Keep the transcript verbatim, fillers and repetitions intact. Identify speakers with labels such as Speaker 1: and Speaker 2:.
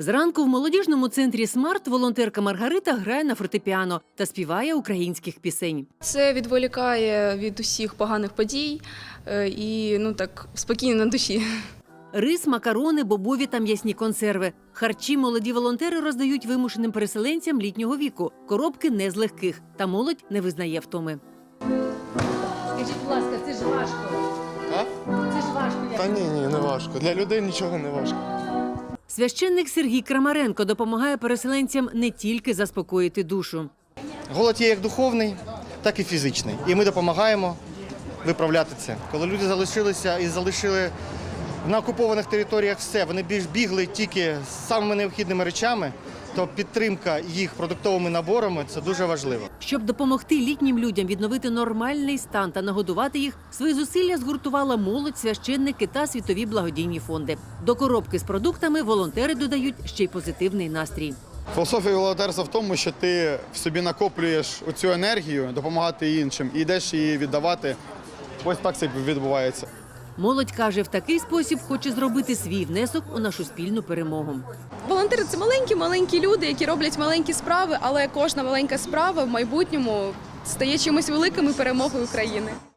Speaker 1: Зранку в молодіжному центрі «Смарт» волонтерка Маргарита грає на фортепіано та співає українських пісень.
Speaker 2: Це відволікає від усіх поганих подій і ну так спокійно на душі.
Speaker 1: Рис, макарони, бобові та м'ясні консерви. Харчі молоді волонтери роздають вимушеним переселенцям літнього віку. Коробки не з легких, та молодь не визнає втоми.
Speaker 3: Скажіть, будь ласка, це ж важко.
Speaker 4: А?
Speaker 3: Це ж важко.
Speaker 4: Та ні, ні, не важко. Для людей нічого не важко.
Speaker 1: Священник Сергій Крамаренко допомагає переселенцям не тільки заспокоїти душу.
Speaker 5: Голод є як духовний, так і фізичний. І ми допомагаємо виправляти це. Коли люди залишилися і залишили на окупованих територіях все, вони більш бігли тільки з самими необхідними речами, то підтримка їх продуктовими наборами – це дуже важливо.
Speaker 1: Щоб допомогти літнім людям відновити нормальний стан та нагодувати їх, свої зусилля згуртувала молодь, священники та світові благодійні фонди. До коробки з продуктами волонтери додають ще й позитивний настрій.
Speaker 6: Філософія волонтерства в тому, що ти в собі накоплюєш оцю енергію, допомагати іншим і йдеш її віддавати. Ось так це відбувається.
Speaker 1: Молодь каже, в такий спосіб хоче зробити свій внесок у нашу спільну перемогу.
Speaker 2: Волонтери – це маленькі-маленькі люди, які роблять маленькі справи, але кожна маленька справа в майбутньому стає чимось великим і перемогою України.